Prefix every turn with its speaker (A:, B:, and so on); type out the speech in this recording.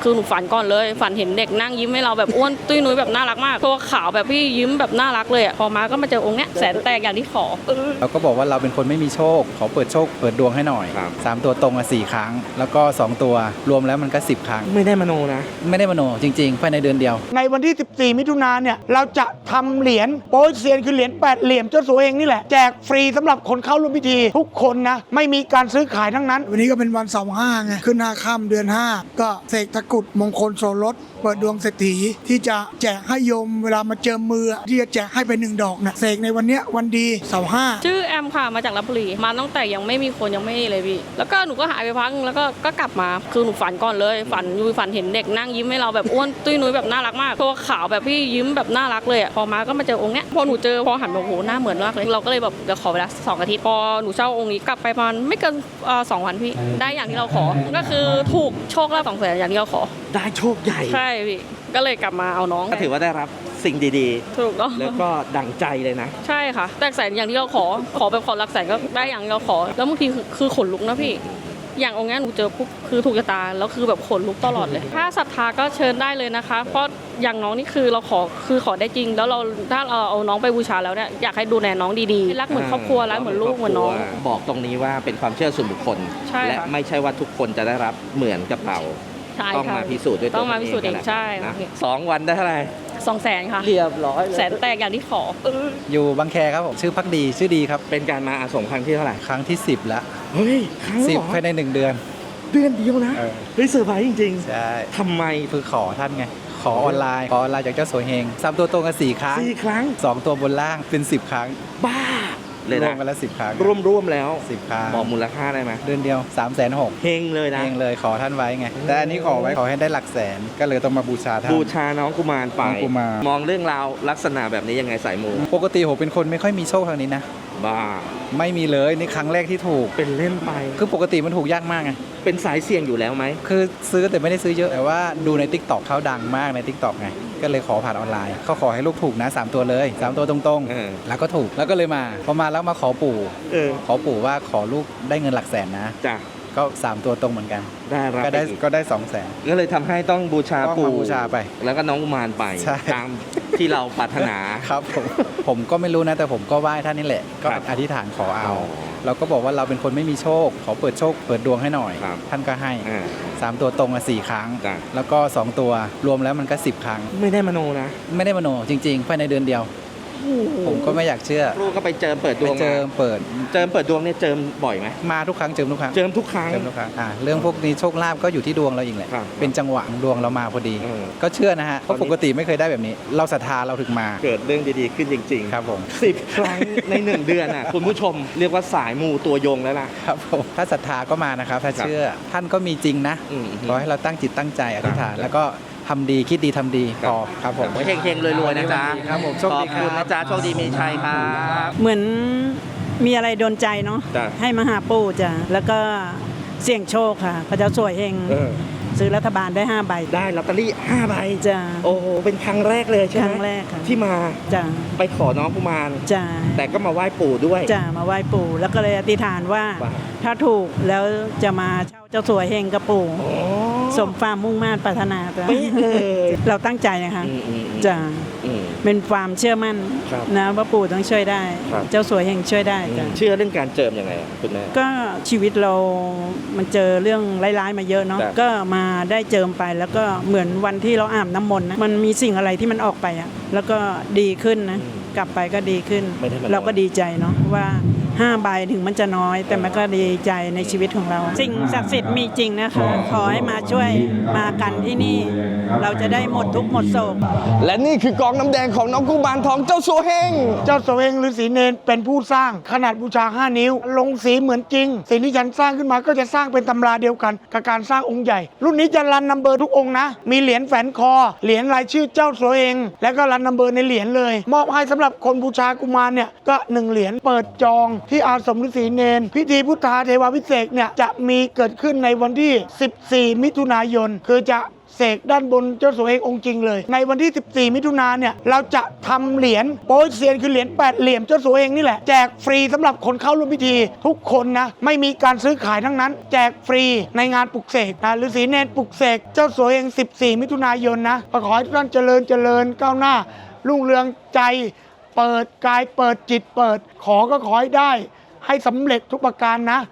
A: คือหนูฝันก่อนเลยฝันเห็นเด็กนั่งยิ้มให้เราแบบอ้วนตุ้ยนุ้ยแบบน่ารักมากตัวขาวแบบพี่ยิ้มแบบน่ารักเลยพอมาก็มาเจอองค์เนี้ยแสนแตกอย่างที่ขอ
B: เราก็บอกว่าเราเป็นคนไม่มีโชคขอเปิดโชคเปิดดวงให้หน่อย3ตัวตรง4 ครั้งแล้วก็2ตัวรวมแล้วมันก็10 ครั้ง
C: ไม่ได้มโนนะ
B: ไม่ได้มโนจริงๆภายในเดือนเดียว
D: ในวันที่14มิถุนายนเนี่ยเราจะทำเหรียญโป๊ยเซียนคือเหรียญ8เหลี่ยมเจ้าสัวเฮงนี่แหละแจกฟรีสำหรับคนเข้าร่วมพิธีทุกคนนะไม่มีการซื้อขายทั้งนั้น
E: วันนี้ก็เป็นวันเสาร์5ไงขึ้น5 ค่ำเดือน 5ก็เสกตะกุดมงคลโสรสเปิดดวงเศรษฐีที่จะแจกให้โยมเวลามาเจิมมือที่จะแจกให้ไป1 ดอกนะเสกในวันนี้วันดีเสาร์5
A: ชื่อแอมค่ะมาจากลพบุรีมาตั้งแต่ยังไม่มีคนยังไม่เลยพี่แล้วก็หนูก็หายไปพักแล้วก็กลับมาคือหนูฝันก่อนเลยฝันเห็นเด็กนั่งยิ้มให้เราแบบอ้วนตุ้ยนุ้ยแบบน่ารักมากตัวขาวแบบพี่ยิ้มแบบน่ารักเลยพอมาก็มาเจอองค์เนี้ยพอหนูเจอพอหันมาโอ้โหหน้าเหมือนมากเลยเราก็เลยแบบเดี๋ยวขอเวลา2 อาทิตย์พอหนูเช่าองค์นี้กลับไปประมาณไม่เกิน2 วันพี่ได้อย่างที่เราขอก็คือถูกโชคลาภ200,000อย่างที่เราขอ
C: ได้โชคใหญ่
A: ใช่พี่ก็เลยกลับมาเอาน้อง
C: ก็ถือว่าได้รับสิ่งดี
A: ๆถูกต้อง
C: แล้วก็ดั่งใจเลยนะ
A: ใช่ค่ะแตกแสนอย่างที่เราขอแบบขอหลักแสนก็ได้อย่างที่เราขอแล้วบางทีคือขนลุกนะพี่อย่างองค์นี้หนูเจอปุ๊บคือถูกชะตาแล้วคือแบบขนลุกตลอดเลยถ้าศรัทธาก็เชิญได้เลยนะคะเพราะอย่างน้องนี่คือเราขอได้จริงแล้วเราถ้าเราเอาน้องไปบูชาแล้วเนี่ยอยากให้ดูแลน้องดีๆรักเหมือนครอบครัวรักเหมือนลูกเหมือนน้อง
C: บอกตรงนี้ว่าเป็นความเชื่อส่วนบุคคลและไม่ใช่ว่าทุกคนจะได้รับเหมือนกับเราต้องมาพิสูจน์ด้วยตัวเองต้องมาพิสูจน์เองใช่นะ2 วันได้เท่าไหร่
A: 200,000ค่ะ
C: เรียบร้อย
A: แสนแตกอย่างที่ขอ
B: อยู่บางแคครับผมชื่อพักดีชื่อดีครับ
C: เป็นการมาอาสมครั้งที่เท่าไหร่
B: ครั้งที่10แล้ว
C: เฮ้ยครั้ง
B: 10ภายใน1 เดือน
C: เดียวนะเฮ้ยเซอร์ไพรส์จริง
B: ๆใช่
C: ทำไม
B: คือขอท่านไงขอออนไลน์จากเจ้าสัวเฮง3ตัวตรงกัน4 ครั้ง2 ตัวบนล่างเป็น10 ครั้ง
C: บ้าเลยนะ
B: รวมกันแล้ว10 ครั้ง
C: ร่วมแล้ว
B: 10 ครั้ง
C: บอกมูลค่าได้ไหม
B: เดือนเดียว360,000
C: เฮงเลยนะ
B: เฮงเลยขอท่านไว้ไงแต่อันนี้ขอไว้ขอให้ได้หลักแสนก็เลยต้องมาบูชาท่าน
C: บูชาน้องกุมารไปมองเรื่องราวลักษณะแบบนี้ยังไงสายมู
B: ปกติผมเป็นคนไม่ค่อยมีโชคทางนี้นะ
C: บ้า
B: ไม่มีเลยนี่ครั้งแรกที่ถูก
C: เป็นเล่นไป
B: คือปกติมันถูกยากมากไง
C: เป็นสายเสี่ยงอยู่แล้วไหม
B: คือซื้อแต่ไม่ได้ซื้อเยอะแต่ว่าดูใน TikTok เขาดังมากใน TikTok ไงก็เลยขอผ่านออนไลน์เขาขอให้ลูกถูกนะ3 ตัวเลย3 ตัวตรงๆแล้วก็ถูกแล้วก็เลยมาพอมาแล้วมาขอปู่ว่าขอลูกได้เงินหลักแสนนะ
C: จ้ะ
B: ก็3 ตัวตรงเหมือนกันก็ได้200,000
C: ก็เลยทำให้ต้องบูชาปู่
B: บูชาไป
C: แล้วก็น้องกุมารไปตามที่เราปรารถนา
B: ครับผมก็ไม่รู้นะแต่ผมก็ไหว้ท่านนี่แหละก็อธิษฐานขอเอาเราก็บอกว่าเราเป็นคนไม่มีโชคขอเปิดโชคเปิดดวงให้หน่อยท่านก็ให้3 ตัวตรง4 ครั้งแล้วก็2 ตัวรวมแล้วมันก็10 ครั้ง
C: ไม่ได้มโนนะ
B: ไม่ได้มโนจริงๆภายในเดือนเดียวผมก็ไม่อยากเชื่อ
C: ลูกก็ไปเจิมเปิดดวง
B: เจิมเปิ
C: ดดวงเนี่ยเจิมบ่อยไหม
B: มาทุกครั้งเจิมทุกครั้งเรื่องพวกนี้โชคลาภก็อยู่ที่ดวงเราเองแหละเป็นจังหวะดวงเรามาพอดีก็เชื่อนะฮะเพราะปกติไม่เคยได้แบบนี้เราศรัทธาเราถึงมา
C: เกิดเรื่องดีๆขึ้นจริงๆ
B: ครับผม
C: 10 ครั้งใน1 เดือนอ่ะคุณผู้ชมเรียกว่าสายมูตัวยงแล้วล่ะ
B: ครับผมถ้าศรัทธาก็มานะครับถ้าเชื่อท่านก็มีจริงนะขอให้เราตั้งจิตตั้งใจอธิษฐานแล้วก็ทำดีคิดดีทำดีพอครับผม
C: เฮงๆรวยๆนะจ๊ะ
B: ครับผม
C: ขอบคุณนะจ๊ะโชคดีมีชัยครับ
F: เหมือนมีอะไรโดนใจเนาะให้มาหาปู่จ้ะแล้วก็เสี่ยงโชคค่ะพระเจ้าสวยเฮงซื้อรัฐบาลได้5 ใบ
C: ได้ลอตเตอรี่5 ใบ
F: จ้ะ
C: โอ้โหเป็นครั้งแรกเลยใช่ไหม
F: ครั้งแรกค่ะ
C: ที่มา
F: จ้ะ
C: ไปขอน้องกุมาร
F: จ้ะ
C: แต่ก็มาไหว้ปู่ด้วย
F: จ้ะมาไหว้ปู่แล้วก็เลยอธิษฐานว่าถ้าถูกแล้วจะมาเช่าเจ้าสวยเฮงกับปู่สมความมุ่งมั่นปรารถนาจ้ะเราตั้งใจนะคะจ้ะเป็นความเชื่อมั่นนะว่าปู่ต้องช่วยได้เจ้าสวยเฮงช่วยได้จ้ะ
C: เชื่อเรื่องการเจิมยังไงคุณแม่
F: ก็ชีวิตเรามันเจอเรื่องร้ายๆมาเยอะเนาะก็มาได้เจิมไปแล้วก็เหมือนวันที่เราอาบน้ำมนต์นะมันมีสิ่งอะไรที่มันออกไปอ่ะแล้วก็ดีขึ้นนะกลับไปก็ดีขึ้นเราก็ดีใจเนาะว่า5 ใบถึงมันจะน้อยแต่มันก็ดีใจในชีวิตของเราสิ่งศักดิ์สิทธิ์มีจริงนะคะขอให้มาช่วยมากันที่นี่เราจะได้หมดทุกข์หมดโศก
C: และนี่คือกองน้ำแดงของน้องกุมารทองเจ้าสัวเฮง
D: ฤาษีเนรเป็นผู้สร้างขนาดบูชา5 นิ้วลงสีเหมือนจริงสิ่งที่ฉันสร้างขึ้นมาก็จะสร้างเป็นตำราเดียวกันกับการสร้างองค์ใหญ่รุ่นนี้จะรันนัมเบอร์ทุกองค์นะมีเหรียญแฝนคอเหรียญรายชื่อเจ้าสัวเฮงแล้วก็รันนัมเบอร์ในเหรียญเลยมอบให้สำหรับคนบูชากุมารเนี่ยก็1 เหรียญเปิดจองที่อาสมฤาษีเนรพิธีพุทธาเทวาภิเษกเนี่ยจะมีเกิดขึ้นในวันที่14 มิถุนายนคือจะเสกด้านบนเจ้าสัวเฮงองค์จริงเลยในวันที่ 14 มิถุนายนเนี่ยเราจะทำเหรียญโป๊ยเซียนคือเหรียญ8เหลี่ยมเจ้าสัวเฮงนี่แหละแจกฟรีสำหรับคนเข้าร่วมพิธีทุกคนนะไม่มีการซื้อขายทั้งนั้นแจกฟรีในงานปลุกเสกนะฤาษีเนรปลุกเสกเจ้าสัวเฮง14 มิถุนายนนะขอให้ทุกท่านเจริญก้าวหน้ารุ่งเรืองใจเปิดกายเปิดจิตเปิดขอก็ขอให้ได้ให้สำเร็จทุกประการนะ